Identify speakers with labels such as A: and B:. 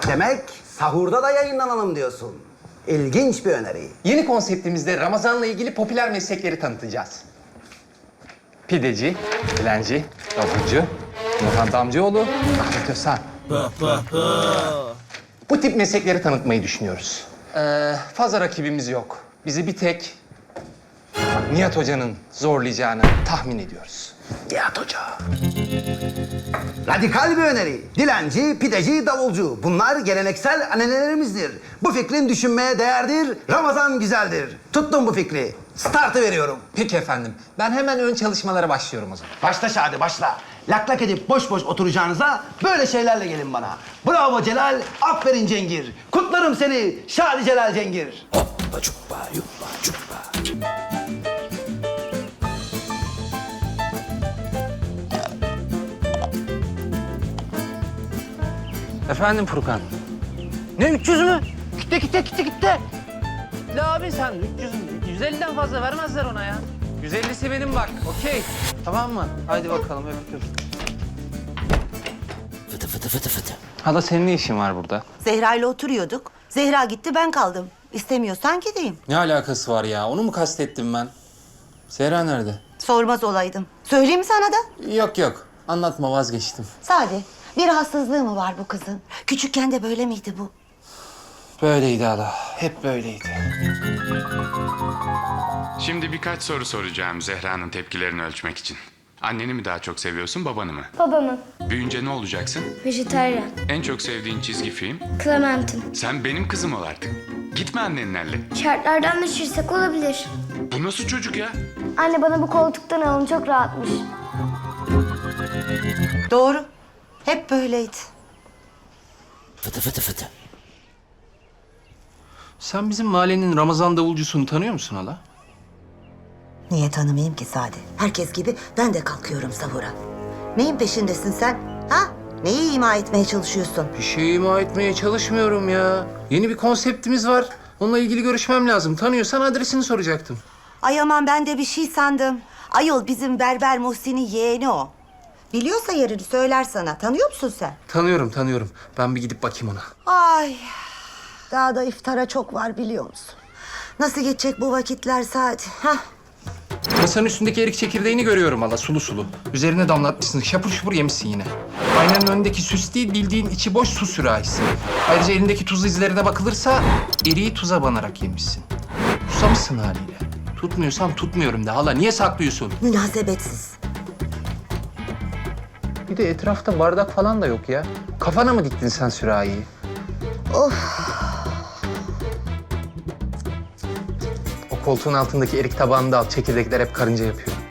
A: Demek sahurda da yayınlanalım diyorsun. İlginç bir öneri.
B: Yeni konseptimizde Ramazan'la ilgili popüler meslekleri tanıtacağız. Pideci, dilenci, davulcu, Nurhan Damcıoğlu, Ahmet Özhan. Bu tip meslekleri tanıtmayı düşünüyoruz. Fazla rakibimiz yok. Bizi bir tek Nihat Hoca'nın zorlayacağını tahmin ediyoruz.
A: Nihat Hoca. Radikal bir öneri. Dilenci, pideci, davulcu. Bunlar geleneksel annelerimizdir. Bu fikrin düşünmeye değerdir. Ramazan güzeldir. Tuttum bu fikri. Startı veriyorum.
B: Peki efendim. Ben hemen ön çalışmalara başlıyorum o zaman.
A: Başla Şadi, başla. Lak lak edip boş boş oturacağınıza böyle şeylerle gelin bana. Bravo Celal, aferin Cengir. Kutlarım seni Şadi Celal Cengir. Hoppa çuppa yuppa çuppa.
B: Efendim Furkan.
C: Ne 300 mü? Gitti. La abi sen 300, 150'den fazla vermezler ona ya.
B: 150'si benim bak. Okey.
C: Tamam mı? Haydi bakalım öptüm.
B: Hala senin ne işin var burada?
D: Zehra ile oturuyorduk. Zehra gitti, ben kaldım. İstemiyorsan gideyim.
B: Ne alakası var ya? Onu mu kastettim ben? Zehra nerede?
D: Sormaz olaydım. Söyleyeyim mi sana da?
B: Yok. Anlatma, vazgeçtim.
D: Sade, bir rahatsızlığı mı var bu kızın? Küçükken de böyle miydi bu?
B: Böyleydi hala. Hep böyleydi.
E: Şimdi birkaç soru soracağım Zehra'nın tepkilerini ölçmek için. Anneni mi daha çok seviyorsun, babanı mı?
F: Babamın.
E: Büyüyünce ne olacaksın?
F: Vejetaryen.
E: En çok sevdiğin çizgi film?
F: Clementine.
E: Sen benim kızım ol artık. Gitme annenlerle.
F: Şartlardan düşürsek olabilir.
E: Bu nasıl çocuk ya?
F: Anne bana bu koltuktan alın, çok rahatmış.
D: Doğru. Hep böyleydi.
B: Sen bizim mahallenin Ramazan davulcusunu tanıyor musun hala?
D: Niye tanımayayım ki Sade? Herkes gibi ben de kalkıyorum sahura. Neyin peşindesin sen? Ha? Neyi ima etmeye çalışıyorsun?
B: Bir şey ima etmeye çalışmıyorum ya. Yeni bir konseptimiz var. Onunla ilgili görüşmem lazım. Tanıyorsan adresini soracaktım.
D: Ay aman, ben de bir şey sandım. Ayol bizim Berber Muhsin'in yeğeni o. Biliyorsa yerini söyler sana. Tanıyor musun sen?
B: Tanıyorum. Ben bir gidip bakayım ona.
D: Ay, daha da iftara çok var biliyor musun? Nasıl geçecek bu vakitler Sadi? Hah.
B: Masanın üstündeki erik çekirdeğini görüyorum hala, sulu sulu. Üzerine damlatmışsın, şapur şupur yemişsin yine. Aynanın önündeki süs değil, bildiğin içi boş su sürahisi. Ayrıca elindeki tuz izlerine bakılırsa eriği tuza banarak yemişsin. Susamışsın haliyle. Tutmuyorsam tutmuyorum de hala, niye saklıyorsun?
D: Münasebetsiz.
B: Bir de etrafta bardak falan da yok ya. Kafana mı diktin sen sürahiyi? O koltuğun altındaki erik tabağını da al. Çekirdekler hep karınca yapıyor.